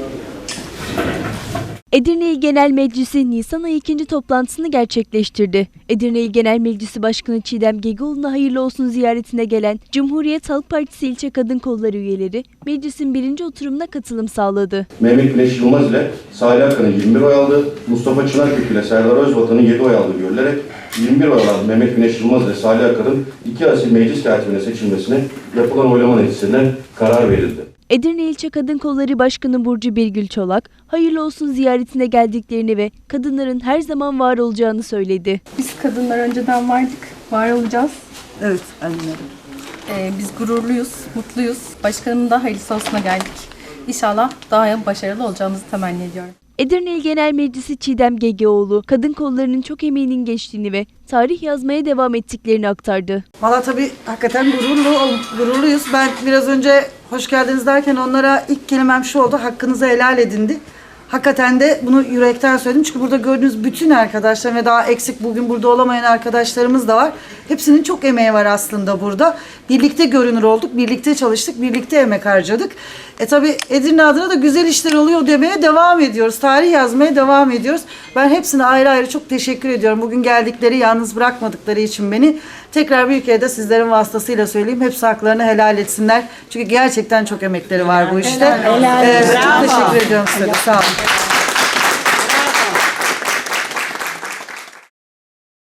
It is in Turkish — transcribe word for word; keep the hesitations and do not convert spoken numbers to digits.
Edirne İl Genel Meclisi Nisan ayı ikinci toplantısını gerçekleştirdi. Edirne İl Genel Meclisi Başkanı Çiğdem Gegoğlu'na hayırlı olsun ziyaretine gelen Cumhuriyet Halk Partisi İlçe Kadın Kolları üyeleri meclisin birinci oturumuna katılım sağladı. Mehmet Güneş Yılmaz ile Salih Akın'ın yirmi bir oy aldı, Mustafa Çınarkök ile Serdar Özvatan'ın yedi oy aldığı görülerek yirmi bir oy alan Mehmet Güneş Yılmaz ile Salih Akın'ın iki asil meclis katibine seçilmesine yapılan oylama neticesinde karar verildi. Edirne İlçe Kadın Kolları Başkanı Burcu Birgül Çolak, hayırlı olsun ziyaretine geldiklerini ve kadınların her zaman var olacağını söyledi. Biz kadınlar önceden vardık, var olacağız. Evet, anlıyorum. Ee, biz gururluyuz, mutluyuz. Başkanımın da hayırlısı olsuna geldik. İnşallah daha başarılı olacağımızı temenni ediyorum. Edirne İl Genel Meclisi Çiğdem Gegoğlu, kadın kollarının çok emeğinin geçtiğini ve tarih yazmaya devam ettiklerini aktardı. Valla tabii hakikaten gururlu, gururluyuz. Ben biraz önce hoş geldiniz derken onlara ilk kelimem şu oldu, hakkınızı helal edindi. Hakikaten de bunu yürekten söyledim. Çünkü burada gördüğünüz bütün arkadaşlar ve daha eksik bugün burada olamayan arkadaşlarımız da var. Hepsinin çok emeği var aslında burada. Birlikte görünür olduk, birlikte çalıştık, birlikte emek harcadık. E tabii Edirne adına da güzel işler oluyor demeye devam ediyoruz. Tarih yazmaya devam ediyoruz. Ben hepsine ayrı ayrı çok teşekkür ediyorum. Bugün geldikleri, yalnız bırakmadıkları için beni. Tekrar bir kere de sizlerin vasıtasıyla söyleyeyim. Hepsi haklarını helal etsinler. Çünkü gerçekten çok emekleri var bu işte. Helal, helal. Ee, çok teşekkür ediyorum size de. Sağ olun.